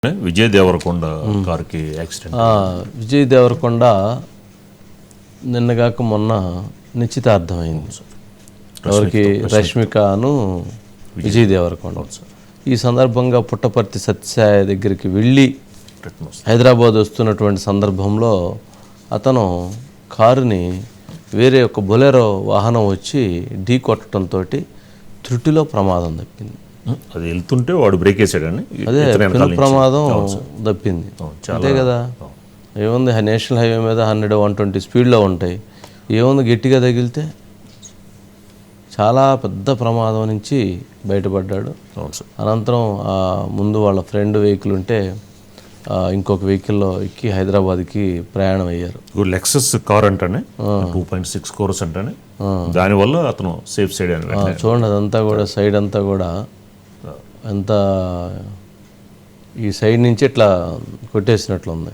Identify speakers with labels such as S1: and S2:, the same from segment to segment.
S1: విజయ్ దేవరకొండ కార్కి యాక్సిడెంట్.
S2: విజయ్ దేవరకొండ నిన్నగాక మొన్న నిశ్చితార్థమైంది. ఎవరికి? రష్మికను విజయ్ దేవరకొండ. ఈ సందర్భంగా పుట్టపర్తి సత్యసాయి దగ్గరికి వెళ్ళి హైదరాబాద్ వస్తున్నటువంటి సందర్భంలో అతను కారుని వేరే ఒక బొలెరో వాహనం వచ్చి ఢీ కొట్టడంతో త్రుటిలో ప్రమాదం తప్పింది.
S1: అది వెళ్తుంటే వాడు బ్రేక్ వేసాడని
S2: అదే ప్రమాదం తప్పింది. అంతే కదా, ఏముంది నేషనల్ హైవే మీద 100-120 స్పీడ్లో ఉంటాయి. ఏముంది గట్టిగా తగిలితే చాలా పెద్ద ప్రమాదం నుంచి బయటపడ్డాడు. అనంతరం ముందు వాళ్ళ ఫ్రెండ్ వెహికల్ ఉంటే ఇంకొక వెహికల్లో ఎక్కి హైదరాబాద్కి ప్రయాణం అయ్యారు.
S1: లెక్సస్ కార్ అంటానే 2.6 crores అంటానే, దానివల్ల అతను సేఫ్ సైడ్ అని
S2: చూడండి. అదంతా కూడా సైడ్ అంతా కూడా ఎంత ఈ సైడ్ నుంచి ఇట్లా కొట్టేసినట్లు ఉంది.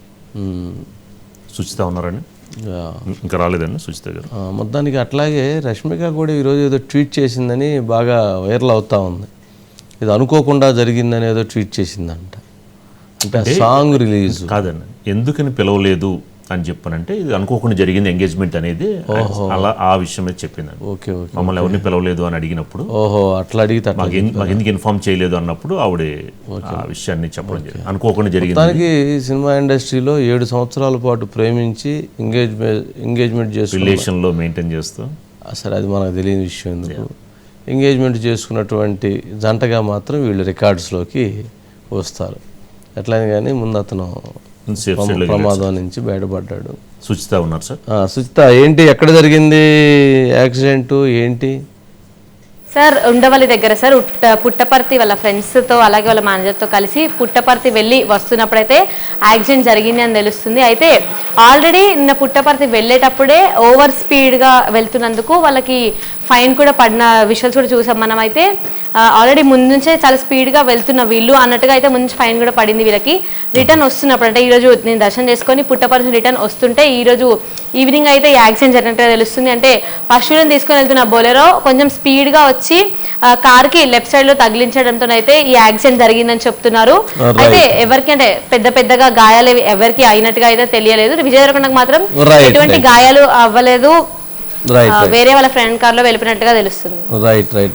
S1: సుచిత ఉన్నారండి, ఇంకా రాలేదండి సుచిత గారు.
S2: మొత్తానికి అట్లాగే రష్మిక కూడా ఈరోజు ఏదో ట్వీట్ చేసిందని బాగా వైరల్ అవుతా ఉంది. ఇది అనుకోకుండా జరిగిందని ఏదో ట్వీట్ చేసిందంట. అంటే సాంగ్ రిలీజ్
S1: కాదండి, ఎందుకని పిలవలేదు అని చెప్పానంటే ఇది అనుకోకుండా జరిగింది ఎంగేజ్మెంట్ అనేది, అలా ఆ విషయమే చెప్పిందండి.
S2: ఓకే ఓకే,
S1: మమ్మల్ని ఎవరిని పిలవలేదు అని అడిగినప్పుడు,
S2: ఓహో అట్లా అడిగితే
S1: మాకు ఎందుకు ఇన్ఫార్మ్ చేయలేదు అన్నప్పుడు ఆవిడ ఆ విషయాన్ని చెప్పడం జరిగింది. అనుకోకుండా జరిగింది.
S2: దానికి సినిమా ఇండస్ట్రీలో 7 సంవత్సరాల పాటు ప్రేమించి ఎంగేజ్మెంట్ చేసుకుని
S1: రిలేషన్లో మెయింటైన్ చేస్తూ,
S2: అసలు అది మనకు తెలియని విషయం. ఎందుకు ఎంగేజ్మెంట్ చేసుకున్నటువంటి జంటగా మాత్రం వీళ్ళు రికార్డ్స్లోకి వస్తారు. ఎట్లయినా కానీ ముందు అతను ప్రమాదం నుంచి బయటపడ్డాడు.
S1: సుచిత ఉన్నారు సార్.
S2: సుచిత, ఏంటి ఎక్కడ జరిగింది యాక్సిడెంట్ ఏంటి?
S3: సార్ ఉండవల్లి దగ్గర సార్, పుట్టపర్తి వాళ్ళ ఫ్రెండ్స్తో అలాగే వాళ్ళ మేనేజర్తో కలిసి పుట్టపర్తి వెళ్ళి వస్తున్నప్పుడైతే యాక్సిడెంట్ జరిగింది అని తెలుస్తుంది. అయితే ఆల్రెడీ నిన్న పుట్టపర్తి వెళ్ళేటప్పుడే ఓవర్ స్పీడ్గా వెళ్తున్నందుకు వాళ్ళకి ఫైన్ కూడా పడిన విషయాలు కూడా చూసాం మనం. అయితే ఆల్రెడీ ముందు నుంచే చాలా స్పీడ్గా వెళ్తున్న వీళ్ళు అన్నట్టుగా అయితే ముందు ఫైన్ కూడా పడింది వీళ్ళకి. రిటర్న్ వస్తున్నప్పుడు అంటే ఈరోజు నేను దర్శనం చేసుకొని పుట్టపర్తి రిటర్న్ వస్తుంటే ఈరోజు ఈవినింగ్ అయితే ఈ యాక్సిడెంట్ జరిగినట్టుగా తెలుస్తుంది. అంటే పశువులను తీసుకొని వెళ్తున్న బొలెరో కొంచెం స్పీడ్గా వచ్చి కార్కి లెఫ్ట్ సైడ్ లో తగిలించడంతో అయితే ఈ యాక్సిడెంట్ జరిగిందని చెప్తున్నారు. అయితే ఎవరికి అంటే పెద్దగా గాయాలు ఎవరికి అయినట్టుగా అయితే తెలియలేదు. విజయ్ దేవరకొండకు మాత్రం ఎటువంటి గాయాలు అవ్వలేదు, వేరే వాళ్ళ ఫ్రెండ్ కార్ లో వెళ్ళిపోయినట్టుగా తెలుస్తుంది.
S2: రైట్.